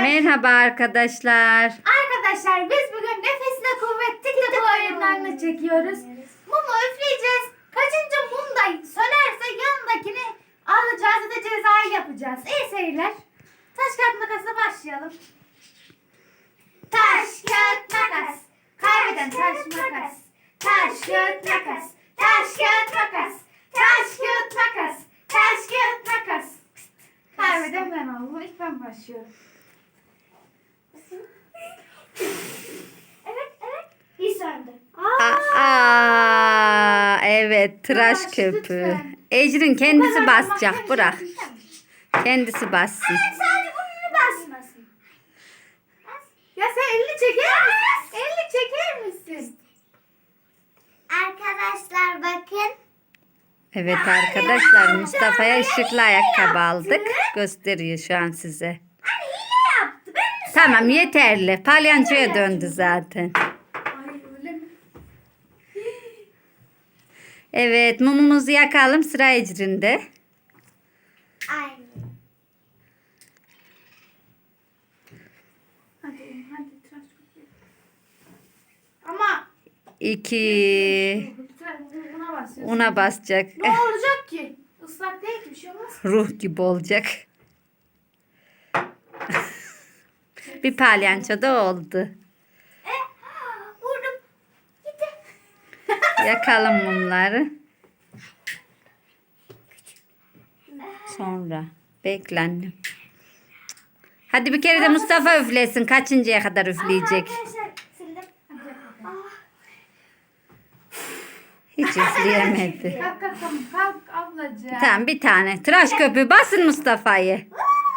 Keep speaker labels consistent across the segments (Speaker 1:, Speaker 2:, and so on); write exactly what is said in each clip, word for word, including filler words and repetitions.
Speaker 1: Merhaba arkadaşlar.
Speaker 2: Arkadaşlar biz bugün nefesine kuvvet TikTok oyunlarını çekiyoruz. Mumu üfleyeceğiz. Kaçıncı mum da sönerse yanındakini alacağız ya da cezayı yapacağız. İyi seyirler. Taş kağıt makasla başlayalım. Taş kağıt makas. Kaybeden taş makas. Taş kağıt makas. Taş kağıt makas. Taş kağıt makas. Taş kağıt makas. Kaybeden ben oldum. İlk ben başlıyorum. Evet, evet. Bir söndü.
Speaker 1: Aa, aa, evet tıraş
Speaker 2: Tıraş,
Speaker 1: köpüğü.
Speaker 2: lütfen.
Speaker 1: Ecrin
Speaker 2: Bu
Speaker 1: kendisi
Speaker 2: kadar
Speaker 1: basacak,
Speaker 2: makyaj
Speaker 1: bırak.
Speaker 2: yapacağım.
Speaker 1: Kendisi bassın.
Speaker 2: Evet, sadece burnunu basmasın. Ya sen elini çeker misin? Elini çeker misin?
Speaker 3: Arkadaşlar bakın.
Speaker 1: Evet arkadaşlar, Mustafa'ya ışıklı ayakkabı aldık. Gösteriyor şu an size.
Speaker 2: Anne hile yaptı. Ben mi
Speaker 1: Tamam, yeterli. Palyançoya döndü zaten.
Speaker 2: Ay öyle mi?
Speaker 1: Evet, mumumuzu yakalım, sıra Ecrin'de.
Speaker 3: Aynı.
Speaker 2: Hadi hadi tıraş köpüğü. Ama
Speaker 1: İki.
Speaker 2: tıraş buna basıyorsun.
Speaker 1: Una basacak.
Speaker 2: Ne olacak ki? Islak değil ki bir şey olmaz.
Speaker 1: Ruh gibi olacak. Bir palyanço da oldu.
Speaker 2: E, vurdum. Gitti.
Speaker 1: Yakalım mumları. Sonra. Bekle annem. Hadi bir kere de Mustafa üflesin. Kaçıncıya kadar üfleyecek?
Speaker 2: Arkadaşlar sildim. Hadi yapalım.
Speaker 1: Hiç üfleyemedi.
Speaker 2: Kalk kalk tamam. Kalk ablacığım.
Speaker 1: Tamam, bir tane. Tıraş köpüğü basın Mustafa'yı.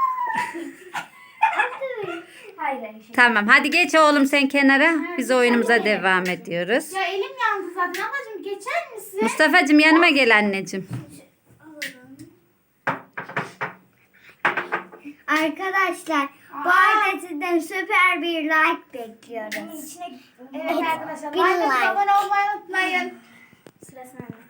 Speaker 2: Hayır hayır. Şey.
Speaker 1: Tamam, hadi geç oğlum sen kenara. Biz oyunumuza devam ediyoruz.
Speaker 2: Ya elim yandı zaten. Ablacığım geçer misin?
Speaker 1: Mustafa'cığım yanıma gel anneciğim.
Speaker 3: Arkadaşlar bu
Speaker 2: Aa.
Speaker 3: arada sizden süper bir like bekliyoruz.
Speaker 2: İçine... Evet arkadaşlar.
Speaker 3: Bir
Speaker 2: Like
Speaker 3: like.
Speaker 2: abone olmayı unutmayın. Sıra sende.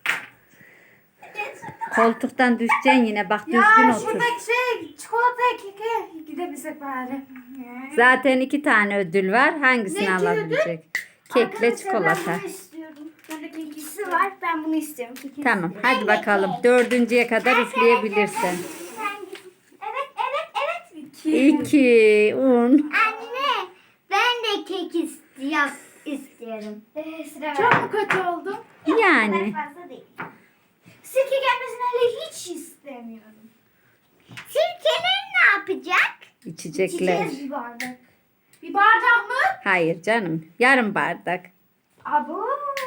Speaker 1: Koltuktan düşeceksin yine. Bak düzgün
Speaker 2: Ya
Speaker 1: otur.
Speaker 2: şuradaki şey çikolataya keke gidebilsek bari.
Speaker 1: Zaten iki tane ödül var. Hangisini
Speaker 2: Ne iki
Speaker 1: alabilecek? Kekle
Speaker 3: Arkadaşlar,
Speaker 1: çikolata.
Speaker 3: Ben bunu istiyorum. Bendeki ikisi var. Ben bunu istiyorum. İkisi.
Speaker 1: Tamam, hadi bakalım. Dördüncüye kadar üfleyebilirsin.
Speaker 2: Evet evet evet. İki.
Speaker 1: İki, un.
Speaker 3: Anne ben de kek istiyorum. istiyorum.
Speaker 2: Ee, sıra Çok mu kötü oldum?
Speaker 1: Yani.
Speaker 3: Fazla değil.
Speaker 2: Sirke gelmesini hele hiç istemiyorum.
Speaker 3: Sirkeler ne yapacak?
Speaker 1: İçecekler.
Speaker 2: İçeceğiz bir bardak. Bir bardak mı?
Speaker 1: Hayır canım. Yarım bardak.
Speaker 2: Abo.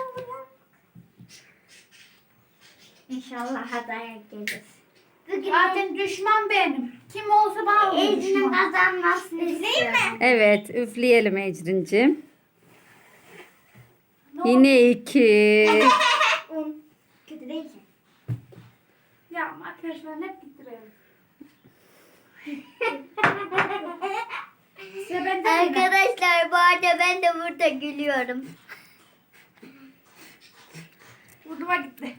Speaker 3: İnşallah adaya gelir. Bugün
Speaker 2: Zaten düşman benim. Kim olsa bana olur
Speaker 3: Ecrin'in
Speaker 2: düşman.
Speaker 3: kazanmasını istiyorum.
Speaker 1: Evet, üfleyelim Ecrin'cim.
Speaker 2: Ne oldu?
Speaker 1: Yine iki.
Speaker 3: Un. Kötü değil ki.
Speaker 2: Ya makyaj falan hep gittiriyorum. Size ben de
Speaker 3: Arkadaşlar bu arada ben de burada gülüyorum.
Speaker 2: Vurduma gitti.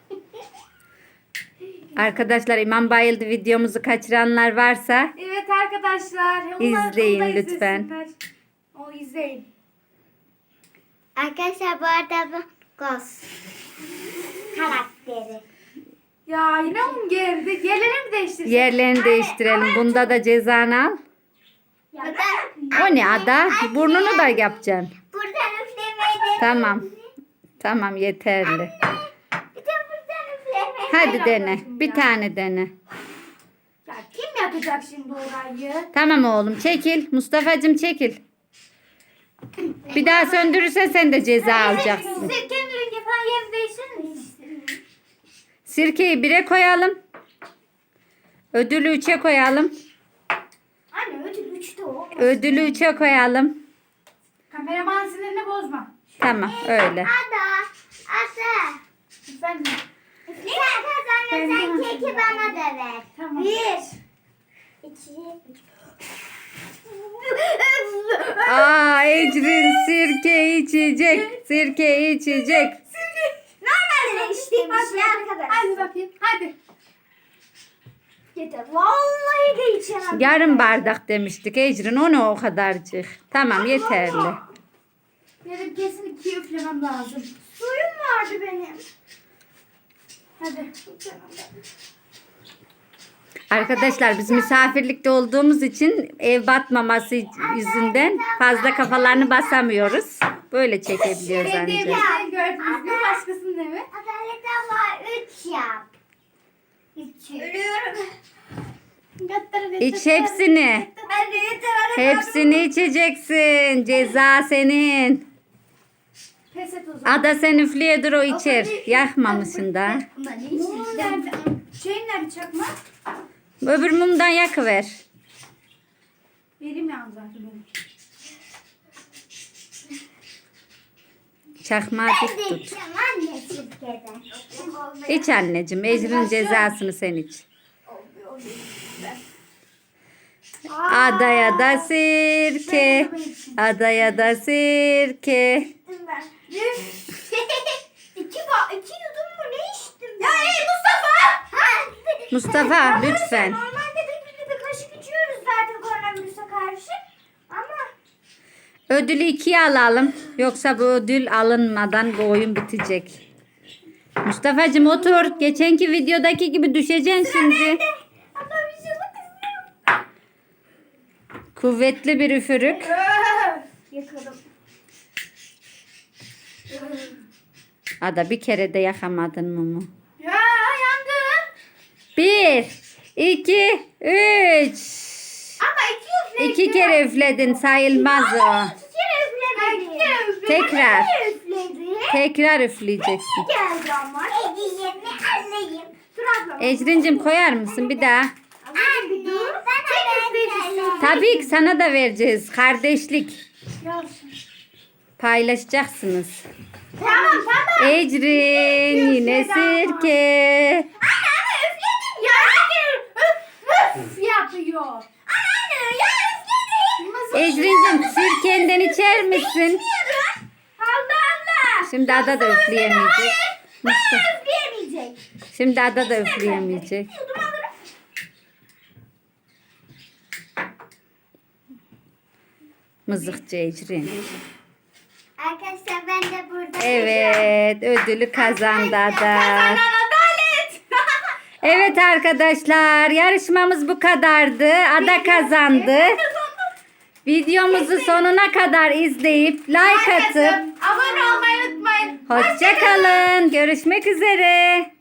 Speaker 1: Arkadaşlar, İmam Bayıldı videomuzu kaçıranlar varsa
Speaker 2: Evet arkadaşlar. onlar-
Speaker 1: İzleyin
Speaker 2: onu da
Speaker 1: lütfen.
Speaker 2: izlesinler. O izleyin.
Speaker 3: Arkadaşlar bu arada bu Ghost karakteri.
Speaker 2: Ya yine mi geldi? Yerlerini mi değiştirsek?
Speaker 1: yerlerini değiştirelim. Bunda da cezanı al.
Speaker 3: Bu da
Speaker 1: O ne Ada? Burnunu da yapacaksın.
Speaker 3: buradan üflemeyi de.
Speaker 1: Tamam. Tamam, yeterli.
Speaker 3: Bir de buradan üflemeyi.
Speaker 1: Hadi dene.
Speaker 2: ablacığım
Speaker 1: Bir
Speaker 2: ya.
Speaker 1: tane dene.
Speaker 2: Ya kim yakacak şimdi orayı?
Speaker 1: Tamam oğlum, çekil. Mustafa'cığım çekil. Bir daha söndürürsen sen de ceza alacaksın.
Speaker 2: Siz kendi rengi falan yerini değiştirir misiniz?
Speaker 1: Sirkeyi bire koyalım. Ödülü üçe koyalım.
Speaker 2: Anne ödül üçte o.
Speaker 1: Ödülü üçe koyalım.
Speaker 2: Kameraman sinirini bozma.
Speaker 1: Tamam, öyle.
Speaker 3: Ada. Ada.
Speaker 2: Efendim.
Speaker 3: Sen kazanırsan
Speaker 2: Ben-
Speaker 3: keki bana da ver.
Speaker 2: Tamam.
Speaker 3: Bir. İki.
Speaker 1: Aa, Ecrin sirke içecek. Sirke içecek.
Speaker 3: Normalde içtiğimiz şey
Speaker 2: Hadi,
Speaker 3: arkadaşlar.
Speaker 2: hadi bakayım. Hadi.
Speaker 3: Yeter. Vallahi de içemem.
Speaker 1: Yarım bardak demiştik Ecrin. O ne o kadarcık. Tamam yeterli.
Speaker 2: Benim kesin iki üflemem lazım. Suyum vardı benim. Hadi.
Speaker 1: Arkadaşlar biz misafirlikte olduğumuz için ev batmaması yüzünden fazla kafalarını basamıyoruz. Böyle çekebiliyoruz
Speaker 2: Benim
Speaker 1: ancak.
Speaker 2: evimden gördünüz mü? Başkasının evi.
Speaker 3: Adalet abla üç yap. Üç.
Speaker 2: Ölüyorum.
Speaker 1: İç hepsini.
Speaker 2: Hadi yeter.
Speaker 1: Hepsini içeceksin. Ceza senin.
Speaker 2: Pes et o zaman.
Speaker 1: Ada sen üfleye dur o içer. Yakmamışsın da.
Speaker 2: Mumu nerede? Şeyin nerede çakma?
Speaker 1: Öbür mumdan yakıver.
Speaker 2: Benim yalnız zaten benim.
Speaker 1: Çakmağı
Speaker 3: Ben
Speaker 1: dik
Speaker 3: de
Speaker 1: tut.
Speaker 3: içeceğim anne Türkiye'den.
Speaker 1: İç anneciğim. Ecrin cezasını sen iç. Adaya da sirke. Adaya da sirke.
Speaker 3: iki, ba iki yudum mu ne içtim ben?
Speaker 2: Ya ey Mustafa!
Speaker 1: Mustafa lütfen.
Speaker 3: Normalde bir, bir kaşık içiyoruz zaten koronavirüse karşı. Ama
Speaker 1: Ödülü ikiye alalım. Yoksa bu ödül alınmadan bu oyun bitecek. Mustafa'cığım otur. Geçenki videodaki gibi düşeceksin şimdi.
Speaker 3: ama bir şey bakın.
Speaker 1: Kuvvetli bir üfürük.
Speaker 3: Yakalım.
Speaker 1: Ada bir kere de yakamadın mumu.
Speaker 2: Ya yandım.
Speaker 1: Bir, iki, üç.
Speaker 2: Ama iki üfledim.
Speaker 1: İki kere üfledin sayılmaz o.
Speaker 3: İki kere üflemedim.
Speaker 2: İki kere üfledim.
Speaker 1: Tekrar.
Speaker 3: Üfledi.
Speaker 1: Tekrar üfleyeceksin.
Speaker 3: Geldi ama. Hediyemi alayım.
Speaker 2: Dur abla.
Speaker 1: Ecrin'cim koyar mısın bir daha?
Speaker 3: Anne bir dur. Ben hemen
Speaker 1: Tabii ki sana da vereceğiz. Kardeşlik.
Speaker 2: Yalsın.
Speaker 1: Paylaşacaksınız.
Speaker 2: Tamam tamam.
Speaker 1: Ecrin yine sirke.
Speaker 2: Anne üfledim ya. Üf üf yapıyor.
Speaker 3: Anne ya üfledim.
Speaker 1: Ecrin'cim sirkenden içer misin?
Speaker 2: Allah Allah.
Speaker 1: Şimdi Ada da üfleyemeyecek. Mustafa.
Speaker 3: Üfleyemeyecek.
Speaker 1: Şimdi Ada da üfleyemeyecek.
Speaker 3: Yudum alırım.
Speaker 1: Mızıkçı Ecrin.
Speaker 3: Arkadaşlar ben de burada.
Speaker 1: Evet ödülü kazandı Ada.
Speaker 2: Kazanan adalet.
Speaker 1: Evet arkadaşlar yarışmamız bu kadardı. Ada kazandı. Videomuzu sonuna kadar izleyip like atıp
Speaker 2: Abone olmayı unutmayın.
Speaker 1: hoşça kalın. Görüşmek üzere.